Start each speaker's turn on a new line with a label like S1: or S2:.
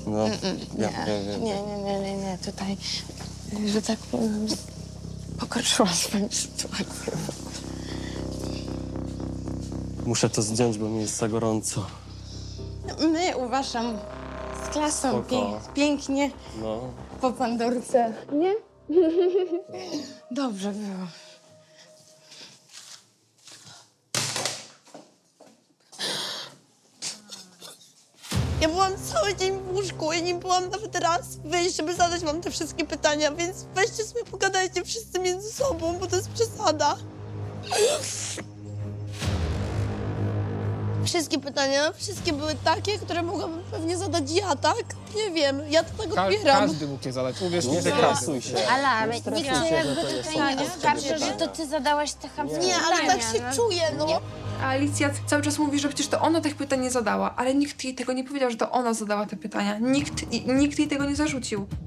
S1: No,
S2: Nie. Tutaj, że tak powiem, pogorszyła swoją sytuację.
S1: muszę to zdjąć, bo mi jest za gorąco.
S2: My, uważam, z klasą
S1: Spoko.
S2: pięknie
S1: No.
S2: po pandorce, nie? Dobrze było.
S3: Ja byłam cały dzień w łóżku i nie byłam nawet raz wyjść, żeby zadać wam te wszystkie pytania, więc weźcie sobie pogadajcie wszyscy między sobą, bo to jest przesada. Wszystkie były takie, które mogłabym pewnie zadać ja, tak? Nie wiem, ja to tak odbieram.
S4: Każdy mógł je zadać, uwierz mi,
S1: Nie
S4: że każdy.
S1: stresuj się.
S5: Ale nikt
S1: stresuj
S5: cię
S1: się, że
S5: jakby
S1: to nie
S5: tutaj
S1: są
S5: nie oskarży, że to ty zadałaś te chamskie
S3: Nie, ale
S5: pytania,
S3: tak się
S5: no.
S3: czuję, no.
S6: A Alicja cały czas mówi, że przecież to ona tych pytań nie zadała, ale nikt jej tego nie powiedział, że to ona zadała te pytania. Nikt jej tego nie zarzucił.